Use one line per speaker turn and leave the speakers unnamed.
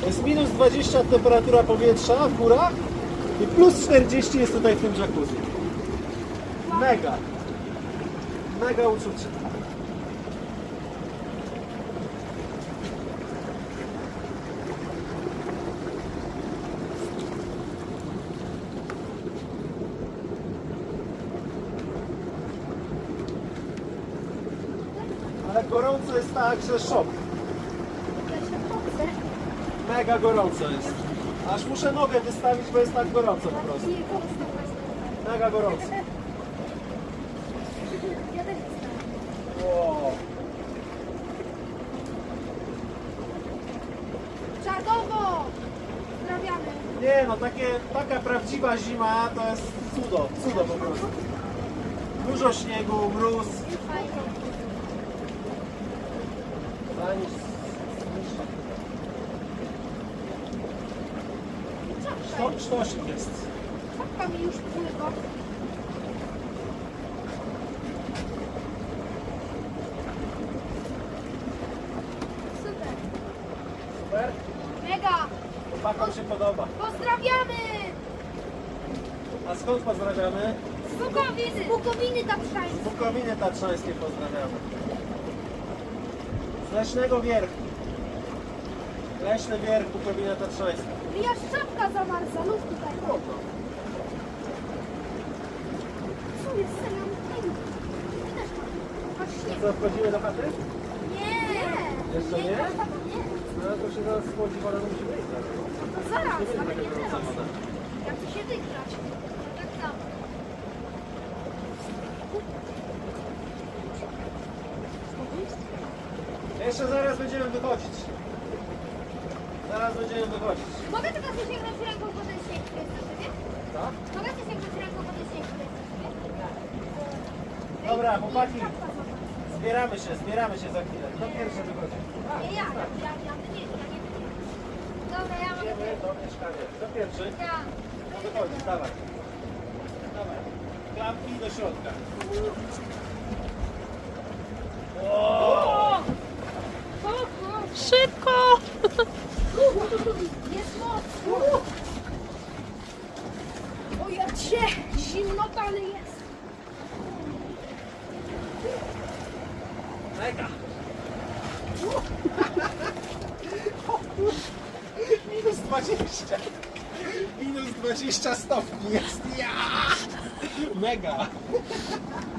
Jest minus 20 temperatura powietrza w górach i plus 40 jest tutaj w tym jacuzzi. Mega. Mega uczucie. Ale gorąco jest tak, że szok. Mega gorąco jest. Aż muszę nogę wystawić, bo jest tak gorąco po prostu. Mega gorąco. Wow.
Czadowo! Pozdrawiamy.
Nie no, taka prawdziwa zima to jest cudo, cudo po prostu. Dużo śniegu, mróz. Sztosik jest.
Czapka mi już pływa. Super.
Super?
Mega!
Chłopakom się podoba.
Pozdrawiamy!
A skąd pozdrawiamy?
Z Bukowiny! Z Bukowiny Tatrzańskiej.
Z Bukowiny Tatrzańskiej pozdrawiamy. Z Leśnego Wierchu. Leśny Wierch, Bukowina Tatrzańska.
Aż czapka zamarza, luz tutaj. Co jest? Serio? Ty też masz śnieg.
Co, wchodzimy do chaty?
Nie!
Jeszcze nie?
Nie.
No to się zaraz schłodzi, woda musi wyjść.
No to zaraz,
Nie będzie
ale
taka
nie
gorąca
teraz.
woda.
Jak to się wygrać? Tak samo.
Jeszcze zaraz będziemy wychodzić. Zaraz będziemy wychodzić.
Mogę tylko się sięgnąć ręką po ten śnieg, który jest na szybie?
Tak?
Mogę się sięgnąć ręką po ten śnieg, który jest na szybie?
Dobra, chłopaki.
Czapka zamarza.
Zbieramy się za chwilę. Kto pierwszy wychodzi?
Nie, ja nie. Dobra, ja mam.
Idziemy do mieszkania. Kto pierwszy?
Ja.
No wychodzi, dawaj. Dawaj. Klapki do środka.
Szybko!
Jest moc! O ja cię! Zimnota, ale jest!
Mega. Minus 20. Minus 20 stopni jest. Ja! Mega.